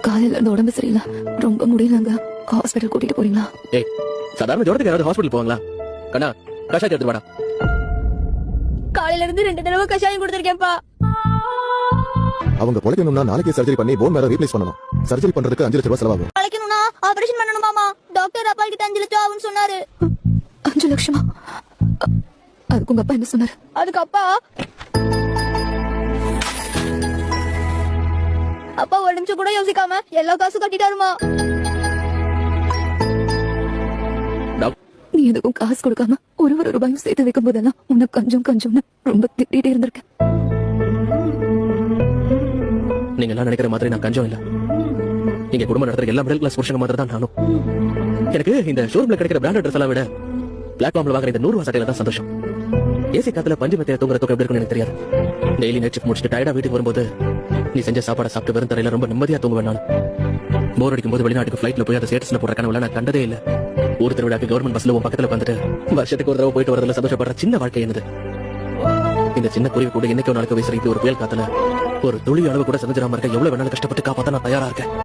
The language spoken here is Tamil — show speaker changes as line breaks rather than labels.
காலையில இருந்து உடம்பு சரியில்லை, ரொம்ப முடியலங்க. ஹாஸ்பிட்டல் கூட்டிட்டு போறீங்களா?
ஏய், சாதாரண ஜுரத்துக்கு யாராவது ஹாஸ்பிட்டல் போவாங்களா? கண்ணா, கஷாயத்தை எடுத்து வாடா.
காலையில இருந்து 2 தடவை கஷாயம் கொடுத்திருக்கேன்ப்பா.
அவங்க பொழைக்கணும்னா நாளைக்கே சர்ஜரி பண்ணி போன் மேல ரீப்ளேஸ் பண்ணணும். சர்ஜரி பண்றதுக்கு 5 லட்சம் ரூபாய் செலவாகும்.
பொழைக்கணும்னா ஆபரேஷன் பண்ணணுமாமா. டாக்டர் அப்பாக்கு 5 லட்சம் ஆகும்னு சொன்னாரு.
5 லட்சமா? அதுக்கு உங்க அப்பா என்ன சொன்னாரு?
அதுக்கு அப்பா ஒரு நிமிஷம் கூட யோசிக்காம எல்லா காசும் கட்டிட்டாருமா.
நீ எதுக்கும் காசு கொடுக்காம ஒரு ரூபாயும் சேர்த்து வைக்கும் போதெல்லாம் உனக்கு கொஞ்சம் கொஞ்சம்னு ரொம்ப திட்டிகிட்டே இருந்திருக்கேன்.
நீங்க எல்லாம் நினைக்கிற மாதிரி நான் கஞ்சம் இல்ல. இங்க குடும்பம் நடத்துற எல்லா மிடில் கிளாஸ் புருஷங்க மாதிரி தான் நானும். எனக்கு இந்த ஷோரூம்ல கிடைக்கிற பிராண்டட் ட்ரெஸ் எல்லாம் விட பிளாட்ஃபார்ம்ல வாங்குற இந்த 100 ரூபாய் சட்டையில தான் சந்தோஷம். ஏசி காத்துல பஞ்சு மெத்தைய தூங்குற தூக்கம் எப்படி இருக்குன்னு எனக்கு தெரியாது. டெய்லி நைட் ஷிஃப்ட் முடிச்சுட்டு டயர்டா வீட்டுக்கு வரும்போது நீ செஞ்ச சாப்பாடை சாப்பிட்டு வெறும் தரையில ரொம்ப நிம்மதியா தூங்குவேன் நான். போர் அடிக்கும் போது வெளிநாட்டுக்கு ஃபிளைட்ல போய் அதை ஸ்டேட்டஸ்ல போடுற கனவுல நான் கண்டதே இல்ல. ஊர் திருவிழாக்கு கவர்மெண்ட் பஸ்ல உன் பக்கத்துல வந்துட்டு வருஷத்துக்கு ஒரு தடவை போயிட்டு வரதுல சந்தோஷப்படுற சின்ன வாழ்க்கை என்னது. இந்த சின்ன குருவி கூட என்னைக்கோ நாளைக்கு வீசுற இப்படி ஒரு புயல் காத்துல ஒரு துளி அளவு கூட செஞ்சிடாம இருக்க எவ்வளவு வேணாலும் கஷ்டப்பட்டு காப்பாத்த நான் தயாரா இருக்கேன்.